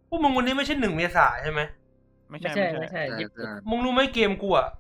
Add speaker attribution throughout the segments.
Speaker 1: พวกมึงวันนี้ไม่ใช่1 เมษายนใช่ไหม
Speaker 2: ไม่
Speaker 3: ไม่
Speaker 2: ใช่
Speaker 3: ใช่
Speaker 2: ไม่
Speaker 3: ไม่
Speaker 2: ใช่
Speaker 3: ใช่ญี่ปุ่น
Speaker 1: มึงรู้ไหมเกมกูอะ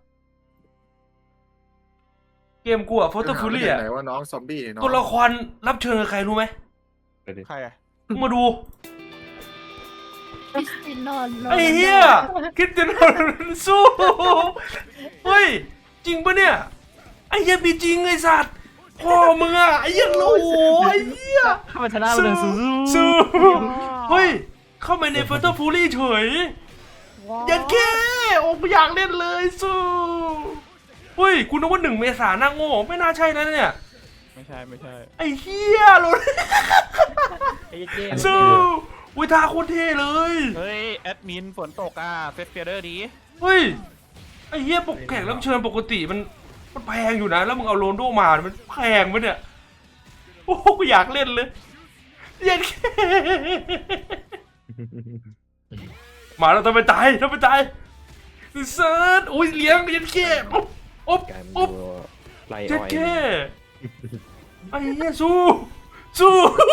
Speaker 1: โฟโต้ฟูลี่อะ
Speaker 4: ไหนว่าน้องซอมบี้เนี่ยน้อง
Speaker 1: ตัวละครรับเชิญกับใครรู้ไหม
Speaker 2: ใครอะ
Speaker 1: มึงมาดู
Speaker 5: คริสติโนโร
Speaker 1: ไอ้เหี้ยคริสเตียโนโรนัลโดสู้เฮ้ยจริงปะเนี่ยไอ้เหี้ยมีจริงไอ้สัตว์พ่อมึงอะไอ้เหี้ยโอ้โหไอ้เหี้ย
Speaker 3: ข้ามันชนะมันเลยสู้
Speaker 1: สู้เฮ้ยเข้ามาในโฟโต้ฟูลี่เฉยยันแค่โอ้กูอยากเล่นเลยสู้เฮ้ยกูนึกว่า1 เมษายนน่าโง่ไม่น่าใช่นะเนี่ย
Speaker 2: ไม่ใช่ไม่ใช่
Speaker 1: ไอ้เหี้ยโรน
Speaker 3: ไอ้เจม
Speaker 1: สู้วิทาโคตรเท่เลย
Speaker 2: เฮ้ยแอดมินฝนตกอ่ะเฟสเฟียเดอร์ดี
Speaker 1: เฮ้ยไอ้เหี้ยปกแขกรับเชิญปกติมันแพงอยู่นะแล้วมึงเอาโรนลโดมามันแพงปะเนี่ยโอ้กูอยากเล่นเลยเย็นแค่มาแล้วทำไมตายเซิร์ชอุ้ยเลี้ยงเย็นแค่อ๊บ
Speaker 6: การ
Speaker 1: อ๊บ
Speaker 6: ดูไล่
Speaker 1: เย็
Speaker 6: อ้
Speaker 1: น
Speaker 6: อย
Speaker 1: แค่ไอ้เหี้ยสู้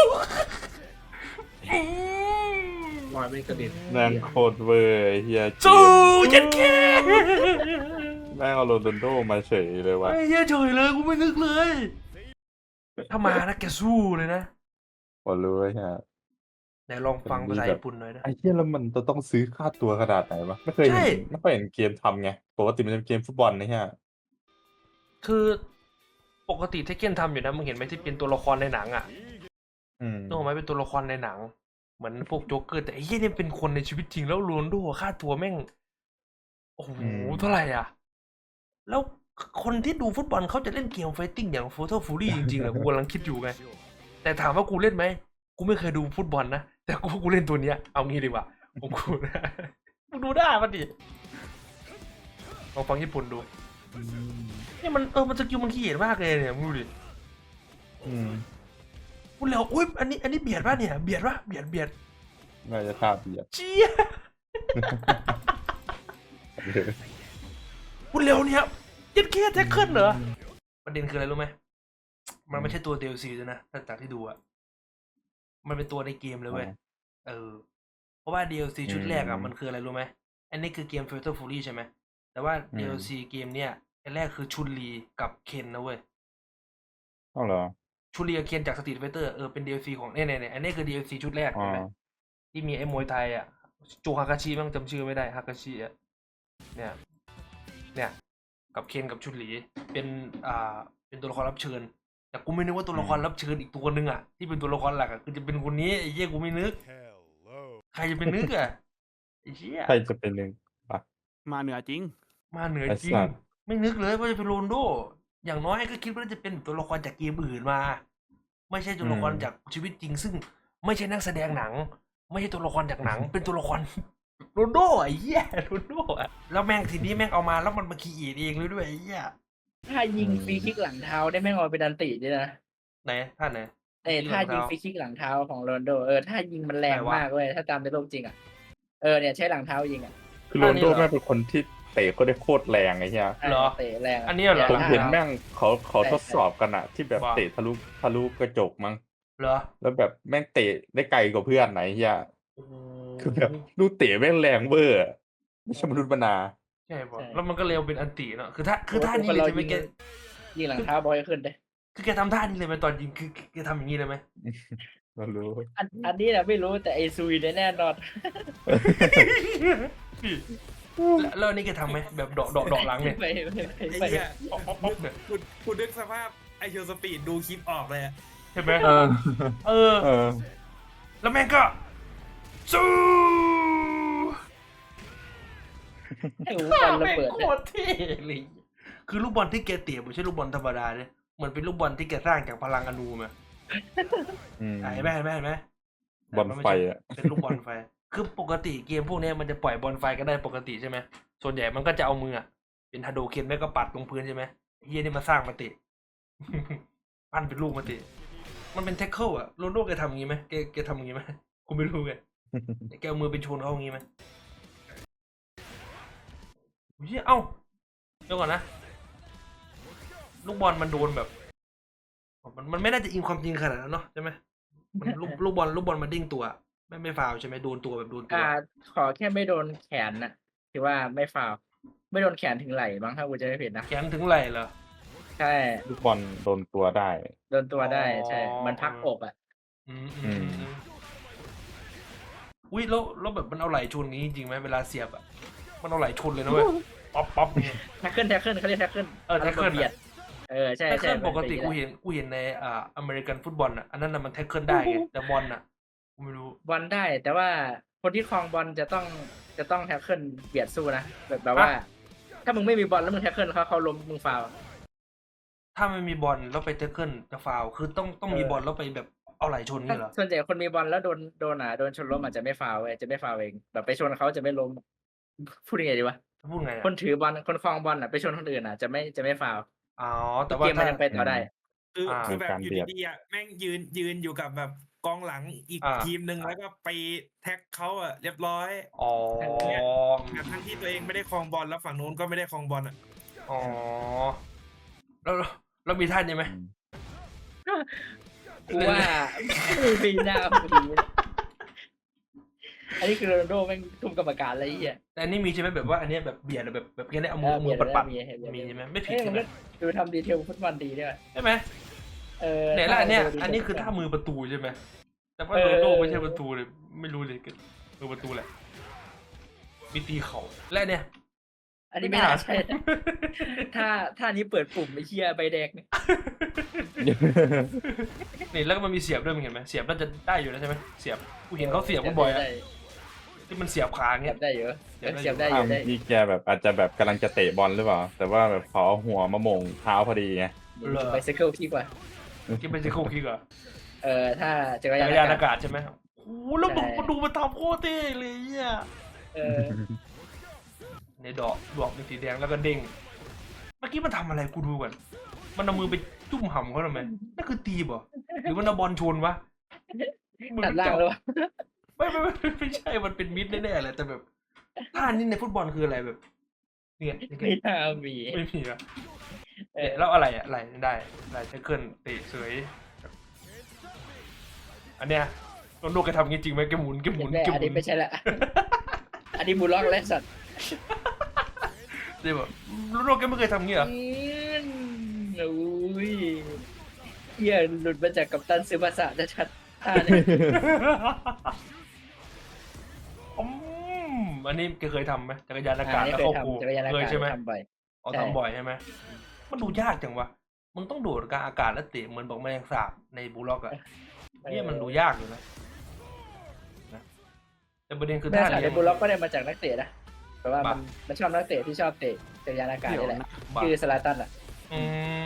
Speaker 4: ลอยไม่กระเด็น
Speaker 7: แม่งโคตรเวอร์ไอ้เฮีย
Speaker 1: สู้เย็นแค่
Speaker 7: แม่งเอาโรนัลโดมาเฉยเลยวะ
Speaker 1: ไอ้เหี้ยเฉยเลยกูไม่นึกเลยถ้ามานะแกสู้เลยนะ
Speaker 7: พอรู้ไอ้เฮีย
Speaker 1: ไหนลองฟังภาษาญี่ปุ่นหน่อยนะ
Speaker 7: ไอ้เฮียแล้วมันจะต้องซื้อค่าตัวขนาดไหนวะไม่เคย
Speaker 1: ใช่
Speaker 7: เห็นไม่เคยเห็นเกมทำไงปกติมันจะเป็นเกมฟุตบอลนะเฮีย
Speaker 1: คือปกติเทคเก้นทำอยู่นะมึงเห็นไหมที่เป็นตัวละครในหนังอ่ะ
Speaker 7: อืม
Speaker 1: นึกออกไหมเป็นตัวละครในหนัง เหมือนพวกโจ๊กเกอร์แต่ไอ้เหี้ยนี่เป็นคนในชีวิตจริงแล้วโรนลโดค่าตัวแม่งโอ้โหเท่าไหร่อ่ะ แล้วคนที่ดูฟุตบอลเขาจะเล่นเกมไฟติ้งอย่างโฟโต้ฟูรี่จริงๆเหรอกูกำลังคิดอยู่ไง แต่ถามว่ากูเล่นไหมกูไม่เคยดูฟุตบอลนะแต่กูเล่นตัวเนี้ยเอางี้ดีกว่าผมกูมึงดูได้ปะดิลองฟังญี่ปุ่นดูเนี่ยมันมันสกิลมันขี้เหร่มากเลยเนี่ยมึงดูดิ
Speaker 7: อืม
Speaker 1: พูดแล้วอุ้ยอันนี้เบียดป่ะเนี่ยเบียดป่ะเบียด
Speaker 7: น่าจะท่าเบียด
Speaker 1: เจี๊ยพูดเร็วเนี่ยยัดแค่แท็กเกิลเหรอประเด็นคืออะไรรู้ไหมมันไม่ใช่ตัว DLC ด้วยนะถ้าจากที่ดูอะมันเป็นตัวในเกมเลยเว้ยเพราะว่า DLC ชุดแรกอะมันคืออะไรรู้ไหมอันนี้คือเกม Fatal Fury ใช่ไหมแต่ว่า DLC เกมเนี่ยอันแรกคือชุนลีกับเคนนะเว้ย
Speaker 7: เอาเหรอ
Speaker 1: ชุนลีกับเคนจากสตรีทไฟเตอร์เป็น DLC ของเนี่ยอันนี้คือ DLC ชุดแรกใช่ไหมที่มีไอ้มวยไทยอ่ะโจฮากาชิมั้งจำชื่อไม่ได้ฮากาชิอ่ะเนี่ยกับเคนกับชุนลีเป็นตัวละครรับเชิญแต่กูไม่นึกว่าตัวละครรับเชิญอีกตัวหนึ่งอ่ะที่เป็นตัวละครหลักอ่ะคือจะเป็นคนนี้ไอ้เหี้ยกูไม่นึกใครจะเป็นนึกอ่ะไอ้เหี้ย
Speaker 7: ใครจะเป็นหนึ่งปะ
Speaker 2: มาเหนือจริง
Speaker 1: มาเหนือ
Speaker 7: ไอ้
Speaker 1: จริง
Speaker 7: สัตว์
Speaker 1: ไม่นึกเลยว่าจะเป็นโรนลโดอย่างน้อยก็คิดว่าจะเป็นตัวละครจากเกมอื่นมา ไม่ใช่ตัวละครจากชีวิตจริง ซึ่งไม่ใช่นักแสดงหนัง ไม่ใช่ตัวละครจากหนัง เป็นตัวละครโรนลโดไอ้เหี้ยโรนลโดอะแล้วแม่งทีนี้แม่งเอามาแล้วมันมาคีเอทเองเลยด้วยไอ้เหี้ย
Speaker 3: ถ้ายิงฟรีคิกหลังเท้าได้แม่งเอาไปดันติด้วยนะ
Speaker 1: ไหนท่านไหน
Speaker 3: ถ้ายิงฟรีคิกหลังเท้าของโรนลโดถ้ายิงมันแรง
Speaker 1: ไหนวะ
Speaker 3: มากเว้ยถ้าตามในโลกจริงอ่ะเนี่ยใช้หลังเท้ายิงอ่ะ
Speaker 7: คือโรนัลโดแม่งเป็นคนที่เตะก็ได้โคตรแรงไอ้เฮีย
Speaker 1: เหรอ
Speaker 3: เตะแรงะ
Speaker 1: อันนี้เหรอ
Speaker 7: ผมเห็นแม่งเขา
Speaker 3: ใช่
Speaker 7: ทดสอบกันอะที่แบบ
Speaker 1: ว่า
Speaker 7: เตะทะลุกระจกมั้ง
Speaker 1: เหรอ
Speaker 7: แล้วแบบแม่งเตะได้ไกลกว่าเพื่อนไหนเฮีย
Speaker 1: โอ้โห
Speaker 7: คือแบบลูกเตะแม่งแรงเวอร์อะไม่ใช่มนุษย์มนา
Speaker 1: ใช่ป่ะแล้วมันก็เร็วเป็นอันติเนาะคือท่านี้เลยใช่ไหมแก
Speaker 3: ยิงหลังเท้าบอยขึ้นเลย
Speaker 1: คือแกทำท่านี้เลยไหมตอนยิงคือแกทำอย่างนี้เลยไหม
Speaker 7: เรารู้
Speaker 3: อันนี้นะไม่รู้แต่ไอซุยเนี่ยแน่นอน
Speaker 1: แล้วอันนี่แกทำไหมแบบเดาะหลังเนี่ย
Speaker 3: ไม่
Speaker 8: ไอ้
Speaker 3: ไม่
Speaker 8: เหี้ย
Speaker 1: ป๊อกเนี่ย
Speaker 8: คุณนึกสภาพไอเชียวสปีดดูคลิปออกเลยอะ
Speaker 1: ใช่ไหม
Speaker 7: เออ
Speaker 1: เออ แล้วแม่งก็สู้
Speaker 3: ให้หูบอลระเบิด
Speaker 1: โคตรเท่เลยคือลูกบอลที่แกเตะไม่ใช่ลูกบอลธรรมดาเนี่ยเหมือนเป็นลูกบอลที่แกสร้างจากพลังอนูมา
Speaker 7: อืม
Speaker 1: เห็นไหม
Speaker 7: บอลไฟอะ
Speaker 1: เป็นลูกบอลไฟ คือปกติเกมพวกนี้มันจะปล่อยบอลไฟก็ได้ปกติใช่ไหมส่วนใหญ่มันก็จะเอามืออะเป็นฮาโดเคนแม่ก็ปัดลงพื้นใช่ไหมเฮียนี่มาสร้างมาเตะ ปั้นเป็นลูกมาเตะมันเป็นแท็กเกิลอะโรนลโดแกทำอย่างงี้ไหมแกทำอย่างงี้ไหมกูไม่รู้ไงแกเอามือเป็นชนเขาอย่างงี้ไหมเฮ้ยเอ้าเดี๋ยวก่อนนะลูกบอลมันโดนแบบมันไม่น่าจะอิงความจริงขนาดนั้นเนาะใช่ไหมมันลูกบอลมันเด้งตัวไม่ฟาวล์ใช่ไหมโดนตัวแบบโดนตัว
Speaker 3: ขอแค่ไม่โดนแขนน่ะถือว่าไม่ฟาวล์ไม่โดนแขนถึงไหล่บ้างถ้ากูจะไม่ผิดนะ
Speaker 1: แขนถึงไหล่เหรอ
Speaker 3: ใช่
Speaker 7: ลูกบอลโดนตัวได้
Speaker 3: โดนตัวได้
Speaker 1: อ๋อ
Speaker 3: ใช่มันพักอกอ่ะ
Speaker 1: อืมอุ้ยแล้วแบบมันเอาไหล่ชนอย่างนี้จริงๆไหมเวลาเสียบอ่ะมันเอาไหล่ชนเลยนะเว้ยป๊อปเนี่ย
Speaker 3: แท็กเกิลเขาเรียกแท็กเกิล
Speaker 1: tackle
Speaker 3: เบียดใช่
Speaker 1: แท็ก
Speaker 3: ใช่
Speaker 1: เกิลปกติกูเห็นในอเมริกันฟุตบอลอ่ะอันนั้นน่ะมันแท็กเกิลได้ไงแต่บอลอ่ะกูไม่รู้
Speaker 3: บอลได้ แต่ว่าคนที่ครองบอลจะต้องแท็กเกิลเบียดสู้นะแบบว่า ถ้ามึงไม่มีบอลแล้วมึงแท็กเกิลเขาล้มมึงฟาวล์
Speaker 1: ถ้าไม่มีบอลแล้วไปแท็กเกิลจะฟาวล์คือต้องมีบอลแล้วไปแบบเอาไหล่ชนนี่เหรอ
Speaker 3: ส่วนใหญ่คนมีบอลแล้วโดนชนล้มอาจจะไม่ฟาวล์เว้ยจะไม่ฟาวล์เองแบบไปชนเขาจะไม่ล้มพูดยังไงดีวะ
Speaker 1: พูดไง
Speaker 3: คนถือบอลคนครองบอลอ่ะไปชนคนอื่นอ่ะจะไม่ฟาวล์
Speaker 1: อ๋อแต่ว่า
Speaker 3: เกมมัน
Speaker 1: ถ้า
Speaker 3: ยังไปต่อได้
Speaker 8: คือแบบ
Speaker 7: การ
Speaker 8: อยู่
Speaker 7: เบียด
Speaker 8: ดีๆอ่ะแม่งยืนอยู่กับแบบกองหลังอีกทีมหนึ่งแล้วก็ไปแท็กเขาอ่ะเรียบร้อย
Speaker 1: อ๋อ
Speaker 8: แบบทั้งที่ตัวเองไม่ได้ครองบอลแล้วฝั่งนู้นก็ไม่ได้ครองบอลอ่ะ
Speaker 1: อ๋อแล้วมีท่านยังไหม
Speaker 3: กูว่าไม่มีหน้าพอดีอันนี้คือโรนัลโดแม่งทุ่มกรรมการอะไรเงี้ย
Speaker 1: แต่อันนี้มีใช่ไหมแบบว่าอันเนี้ยแบบเบียดแบบแค่นี้เอามือปัดๆมีใช่ไหมไม่ผิด
Speaker 3: เอ้ย
Speaker 1: ใช่
Speaker 3: มัน
Speaker 1: ไหม
Speaker 3: ก็ดูทำดีเทลฟุตบอลดีด้วย
Speaker 1: ใช่ไหมเนี่ยแล้วอันเนี้ยอันนี้คือท่ามือประตูใช่ไหมแต่ว่าโรนัลโดไม่ใช่ประตูเลยไม่รู้เลยมือประตูแหละมีตีเข่าและเนี่ย
Speaker 3: อันนี้ไม่น่าใช่นะถ้านี้เปิดปุ่มไอ้เชี่ยใบแดงเนี่ย
Speaker 1: นี่แล้วก็มันมีเสียบด้วยมึงเห็นไหมเสียบน่าจะได้อยู่แล้วใช่ไหมเสียบกูเห็นเขาเสียบกันบ่อยอะที่มันเสียบขา
Speaker 3: เสี
Speaker 1: เงี้
Speaker 3: ย
Speaker 1: ย
Speaker 3: บได้เยอะ
Speaker 1: เสียบได้
Speaker 3: เสียบได้
Speaker 1: อ
Speaker 3: อยู่ ยู่ได้
Speaker 7: นี่แกแบบอาจจะแบบกำลังจะเตะบอลหรือเปล่า แต่ว่าแบบขอหัวมาโมงเท้าพอดีไง
Speaker 3: ไปไซเคิลพี่กว่า
Speaker 1: ที่เป็นซิโคคิกเหรอ
Speaker 3: ถ้าจักร
Speaker 1: จักรยาน
Speaker 3: ยาน
Speaker 1: อากาศใช่ไหมโอ้โหแล้วดูมันทำโคตรเท่เลยเนี่ย
Speaker 3: เออ
Speaker 1: ในดอกเป็นสีแดงแล้วก็เด้งเมื่อกี้มันทำอะไรกูดูก่อนมันเอามือไปจุ่มหำเขาทำไมนั่นคือตีบ่หรือมันเอาบอลชนวะ
Speaker 3: ตัดล่างแล้ววะ
Speaker 1: ไม่ใช่มันเป็นมิดแน่ๆเลยแต่แบบท่านี้ในฟุตบอลคืออะไรแบบเนี่ย
Speaker 3: ไม่น่ามี
Speaker 1: ไม่มีอะเนี่ยแล้วอะไรอะอะไรได้แท็กเกิลเตะเสยอันเนี้ยโรนัลโดแกทำอย่างงี้จริงไหมแกหมุน
Speaker 3: แน่อันนี้ไม่ใช่ละ อันนี้บูลล็อกและสัตว์
Speaker 1: ใช่ป่ะโรนัลโดแกไม่เคยทำงี้เหรอ
Speaker 3: โอ้ยเหี้ยหลุดมาจากกัปตันซึบาสะชัดๆท่าเนี่ย
Speaker 1: อันนี้แกเคยทำไหมจักรยานอากาศ
Speaker 3: อันนี้
Speaker 1: แล้ว
Speaker 3: เคย
Speaker 1: เข้าโก
Speaker 3: ทำจักรยานอา
Speaker 1: เคย
Speaker 3: กาศ
Speaker 1: ใช่ไหม
Speaker 3: ทำบ่อย
Speaker 1: อ๋อ
Speaker 3: ใช่
Speaker 1: ทำบ่อยใช่ไหมมันดูยากจังวะมึงต้องโดดกลางอากาศแล้วเตะเหมือนบอกแมลงสาบในบูลล็อกอะเนี่ยมันดูยากอยู่นะแต่ประเด็นคือ
Speaker 3: แม่
Speaker 1: ท่า
Speaker 3: สาย
Speaker 1: เนี้
Speaker 3: ในบูลล็อกก็ได้มาจากนักเตะนะแต่ว่า
Speaker 1: บ้า
Speaker 3: มันชอบนักเตะที่ชอบเตะจักรยานอากาศนี่แหละ
Speaker 1: บ้า
Speaker 3: คือสลาตันอ่ะ
Speaker 1: อืม